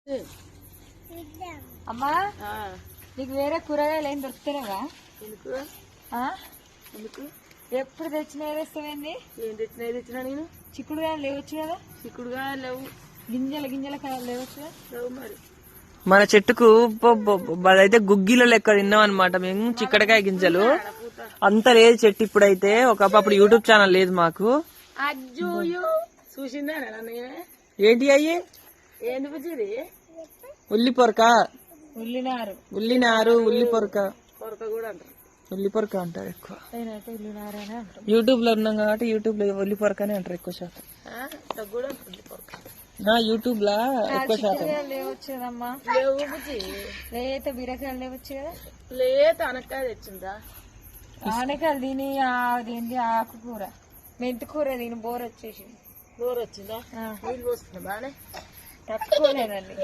అమ్మా నీకు వేరే కూరగాయలు ఏం దొరుకుతున్నావా? ఎందుకు ఎప్పుడు తెచ్చినా వేస్తావేంది? ఏం తెచ్చినా నేను చిక్కుడుగాయలు లేవచ్చు కదా? చిక్కుడుగా లేవు. గింజల కాయలు లేవచ్చు కదా? లేవు మరి. మన చెట్టుకు అదైతే గుగ్గిలో లెక్క తిన్నాం అనమాట మేము. చిక్కడకాయ గింజలు అంత లేదు చెట్టు ఇప్పుడైతే. ఒకప్పుడు యూట్యూబ్ ఛానల్ లేదు మాకు. చూసిందా ఏంటి అయ్యి? ఏంది బుజ్జిది? ఉల్లి పొరక, ఉల్లినారు, ఉల్లినారు, ఉల్లి పొరక, కొరక కూడా అంటారు. ఉల్లి పొరక అంటారు ఎక్కువ. నేనైతే ఉల్లినారనే అంటారు. యూట్యూబ్ లో ఉన్నాం కాబట్టి యూట్యూబ్ లో ఉల్లి పొరకనే అంటారు ఎక్కువ శాతం. కూడా ఉంటుంది కొరక. యూట్యూబ్ లా ఎక్కువ శాతం. లేవచ్చు కదమ్మా? లేవు బుజ్జి. లేత బీరకాయలు లేవచ్చు కదా? లేత అనక్కాయ తెచ్చిందా? ఆనకాయలు దీని అదేంటి ఆకుకూర, మెంతికూర దీని బోర్ వచ్చేసింది. బోర్ వచ్చిందా? నీళ్ళు పోస్తున్నా బానే తక్కువలేదండి.